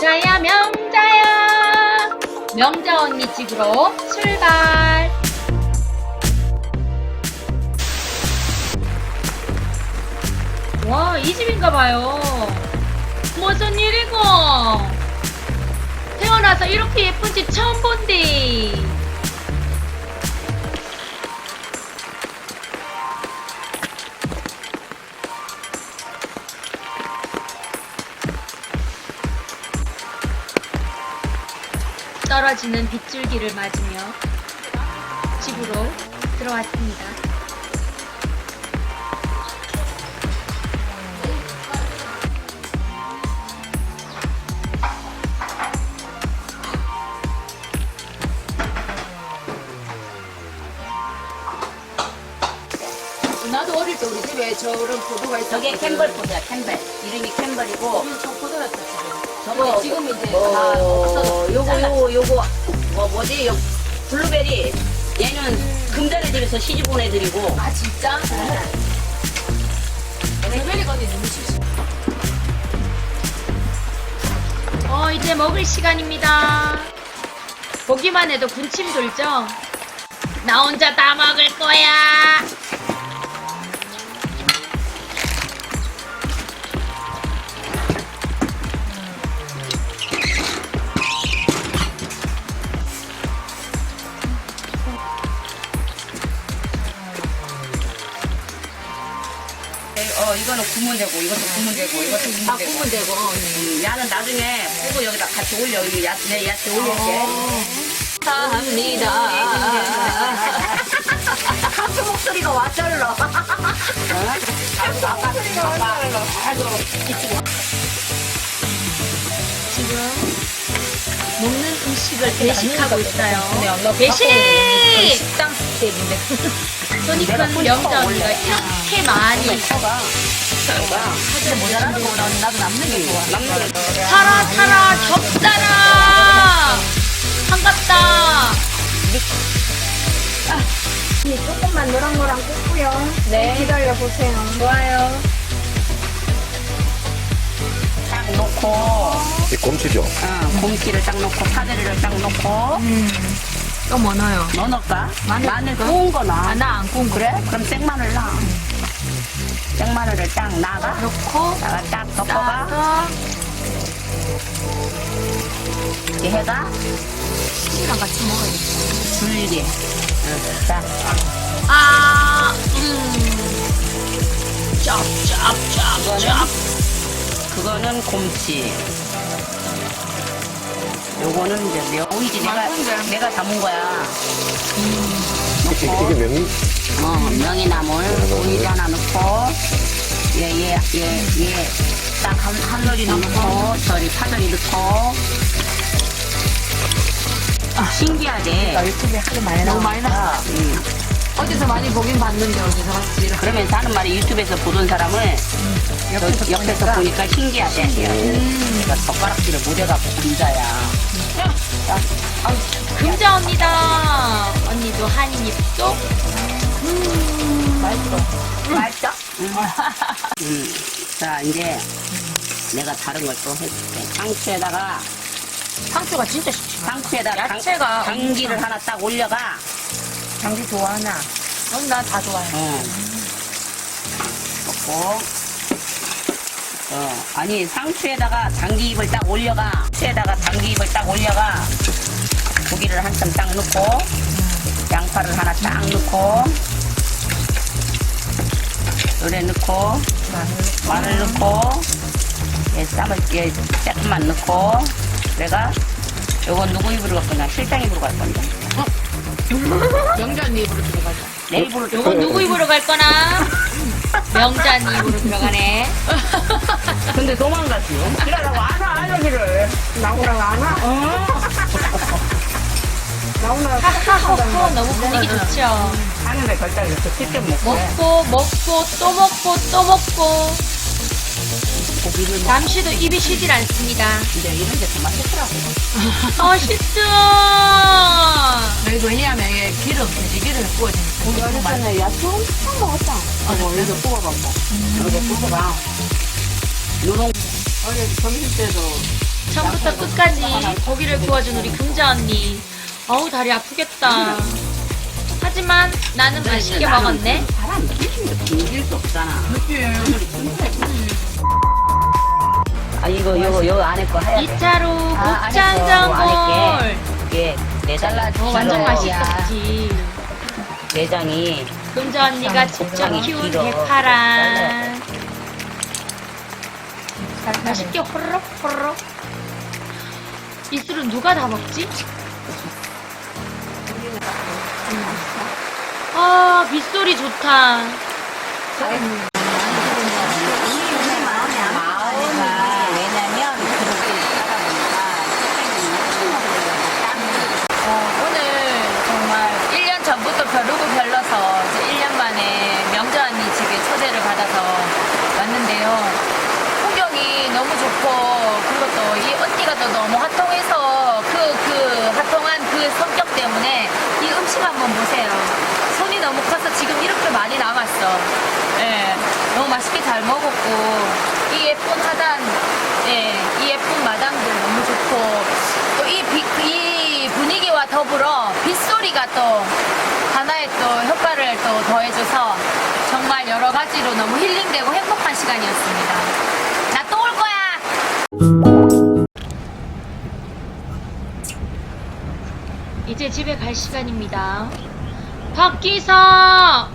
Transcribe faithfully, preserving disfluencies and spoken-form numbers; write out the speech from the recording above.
명자야 명자야 명자 언니 집으로 출발. 와, 이 집인가봐요. 무슨 일이고? 태어나서 이렇게 예쁜 집 처음 본디. 떨어지는 빗줄기를 맞으며 집으로 들어왔습니다. 나도 어릴 때 우리 집에 저런 포도가 있었거든. 저게 캠벌 포도야, 캠벌. 이름이 캠벌이고. 음, 저 포도였어 지금. 저거 지금 이제 뭐, 다 없어졌어. 요거 요거 요거 뭐 뭐지? 요 블루베리. 얘는 금전의 집에서 시집 온 애들이고. 아 진짜? 블루베리 건이 너무 싫어. 어, 이제 먹을 시간입니다. 보기만 해도 군침 돌죠? 나 혼자 다 먹을 거야. 어 이거는 구면 되고 이것도 구면 되고 이것도 구면 아 되고. 구면 되고. 음, 야는 나중에 보고 여기다 같이 올려. 여기 야, 내 야채 올릴게. 감사합니다. 가수 목소리가 와절러. 어? 가수 목소리가 와절러. 지금 먹는 음식을 배식하고 있어요. 배식! 식당 스텝인데. 손이 큰 명자 언니가 이렇게 많이 커가. 근데 모자라는 거보다 나도 남는 게 좋아. 남는 게 좋아. 살아 살아 겹살아 반갑다. 조금만 노랑노랑 꽂고요. 네. 기다려보세요. 좋아요. 딱 놓고. 이 곰치죠? 어, 곰치를 딱 넣고 파데리를 딱 넣고 또 뭐 넣어요? 뭐 넣을까? 마늘 마늘 넣을까? 구운 거 넣어. 아, 나 안 구운 거. 그래? 그럼 생마늘 넣어. 생마늘을 딱 나가. 넣고 나가 딱 덮어가. 따서 이렇게 해가 치즈랑 같이 먹어야지. 줄기. 응. 자, 아, 음. 짭짭짭짭. 그거는 곰치. 요거는 이제 명이지. 내가 맛있는데? 내가 담은 거야. 이게, 넣고. 이게 명이? 어, 명이나물 오이지 하나 넣고 얘 얘 얘 얘 딱 한 한 놀이 넣고 저리 파절이 넣고 아, 신기하게 유튜브에 하도 많이 너무 많이 나와. 음. 어디서 많이 보긴 봤는데 어디서 봤지? 그러면서 하는 말이 유튜브에서 보던 사람을 저 옆에서 보니까 신기하대. 내가 젓가락질을 못 해갖고 군자야. 자, 아우, 금자 언니다. 언니도 한입 쏙. 맛있어. 맛있어? 응. 음. 자, 이제 내가 다른 걸 또 해줄게. 상추에다가 상추가 진짜 쉽지. 상추에다가 당- 야채가 당기를 하나 딱 올려가. 장기 좋아하나? 넌 나 다 좋아해. 어. 넣고. 어. 아니, 상추에다가 당기잎을 딱 올려가. 상추에다가 당기잎을 딱 올려가. 고기를 한참 딱 넣고. 양파를 하나 딱 넣고. 노래 넣고. 마늘 넣고. 얘 쌈을, 얘 조금만 넣고. 내가 요건 누구 입으로 갈 거냐? 실장 입으로 갈 건데. 명절 입으로 들어가자. 내 입으로 좀. 요건 누구 입으로 갈 거나? 명자 언니 입으로 들어가네. 근데 도망갔지. 그러라고 안 와, 여기를. 나오라고 안 와? 나오라고 하하호호 너무 분위기 좋죠. 하늘에 걸딱 이렇게 쉽게 먹고. 먹고 먹고 또 먹고 또 먹고 고기를 먹 잠시도 입이 쉬질 않습니다. 근데 이런 게 더 맛있더라고. 맛있어. 여기 왜냐하면 이게 기름, 돼지 기름이 구워지니까. 고기 너무 많이. 야채 엄청 먹었다. 어, 여기서 뽑아봐, 뭐. 여기서 뽑아봐. 요런 어제 점심 때도 처음부터 끝까지 고기를 구워준 우리 금자 언니. 어우 다리 아프겠다. 하지만 나는 맛있게 먹었네. 사람 느낌도 빙길 수 없잖아. 아 이거 요거 요 안에 거 하얀. 이 차로 아, 곱창 안에 전골. 이게 내장 어, 완전 맛있었지. 내장이 금자 언니가 직접 곱창이 키운 길어. 대파랑 맛있게 호로록 호로록. 이 술은 누가 다 먹지? 아 빗소리 좋다. 마음이 왜냐면 그렇게 살다 보니까 어, 오늘 정말 일 년 전부터 벼르고 별러서 이제 일 년 만에 명자 언니 집에 초대를 받아서 왔는데요. 풍경이 너무 좋고 그리고 또 이 언니가 또 너무 핫통해서 그, 그 핫통한 그 성격 때문에 이 음식 한번 보세요. 손이 너무 커서 지금 이렇게 많이 남았어. 예, 너무 맛있게 잘 먹었고 이 예쁜 하단, 예, 이 예쁜 마당들 너무 좋고 또 이 이 분위기와 더불어 빗소리가 또 하나의 또 효과를 또 더해줘서 정말 여러 가지로 너무 힐링되고 행복한 시간이었습니다. 나 또 올 거야! 이제 집에 갈 시간입니다. 박기서